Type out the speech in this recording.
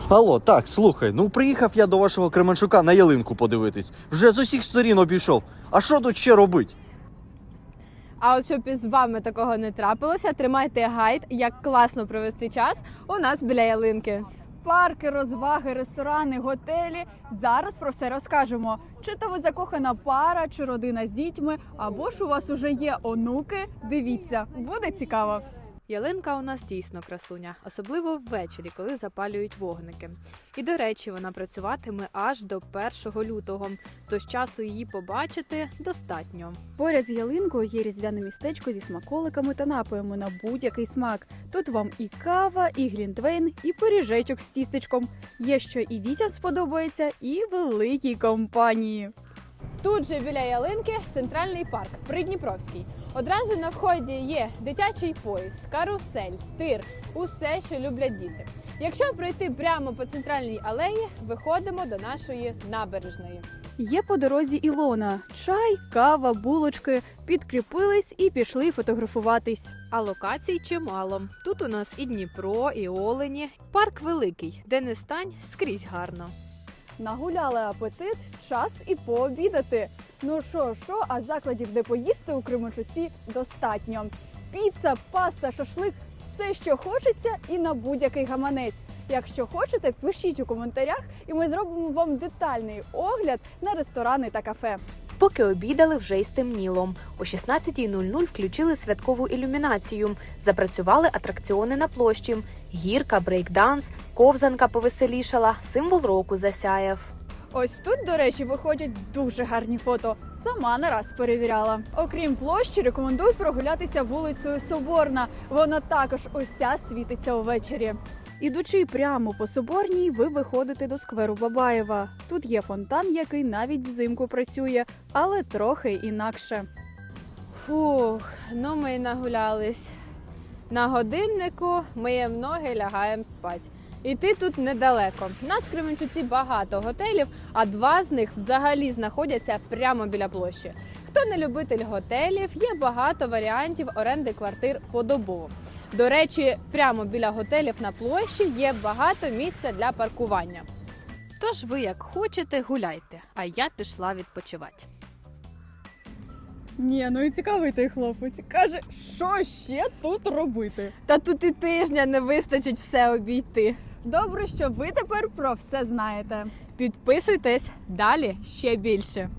Алло, так, слухай, ну приїхав я до вашого Кременчука на ялинку подивитись. Вже з усіх сторін обійшов. А що тут ще робить? А от щоб із вами такого не трапилося, тримайте гайд, як класно провести час у нас біля ялинки. Парки, розваги, ресторани, готелі. Зараз про все розкажемо. Чи то ви закохана пара, чи родина з дітьми, або ж у вас уже є онуки. Дивіться, буде цікаво. Ялинка у нас дійсно красуня, особливо ввечері, коли запалюють вогники. І, до речі, вона працюватиме аж до 1 лютого, тож часу її побачити достатньо. Поряд з ялинкою є різдвяне містечко зі смаколиками та напоями на будь-який смак. Тут вам і кава, і глінтвейн, і пиріжечок з тістечком. Є що і дітям сподобається, і великій компанії. Тут же біля ялинки центральний парк Придніпровський. Одразу на вході є дитячий поїзд, карусель, тир – усе, що люблять діти. Якщо пройти прямо по центральній алеї, виходимо до нашої набережної. Є по дорозі Ілона. Чай, кава, булочки. Підкріпились і пішли фотографуватись. А локацій чимало. Тут у нас і Дніпро, і Олені. Парк великий, де не стань, скрізь гарно. Нагуляли апетит, час і пообідати. Ну що, а закладів, де поїсти у Кременчуці, достатньо. Піца, паста, шашлик – все, що хочеться і на будь-який гаманець. Якщо хочете, пишіть у коментарях, і ми зробимо вам детальний огляд на ресторани та кафе. Поки обідали, вже й стемніло. О 16:00 включили святкову ілюмінацію. Запрацювали атракціони на площі. Гірка, брейкданс, ковзанка повеселішала, символ року засяяв. Ось тут, до речі, виходять дуже гарні фото. Сама не раз перевіряла. Окрім площі, рекомендую прогулятися вулицею Соборна. Вона також уся світиться увечері. Ідучи прямо по Соборній, ви виходите до скверу Бабаєва. Тут є фонтан, який навіть взимку працює, але трохи інакше. Фух, ну ми й нагулялись. На годиннику миємо ноги, лягаємо спать. Іти тут недалеко. У нас в Кременчуці багато готелів, а 2 з них взагалі знаходяться прямо біля площі. Хто не любитель готелів, є багато варіантів оренди квартир подобово. До речі, прямо біля готелів на площі є багато місця для паркування. Тож ви як хочете, гуляйте, а я пішла відпочивати. Ні, ну і цікавий той хлопець. Каже, що ще тут робити? Та тут і тижня не вистачить все обійти. Добре, що ви тепер про все знаєте. Підписуйтесь, далі ще більше.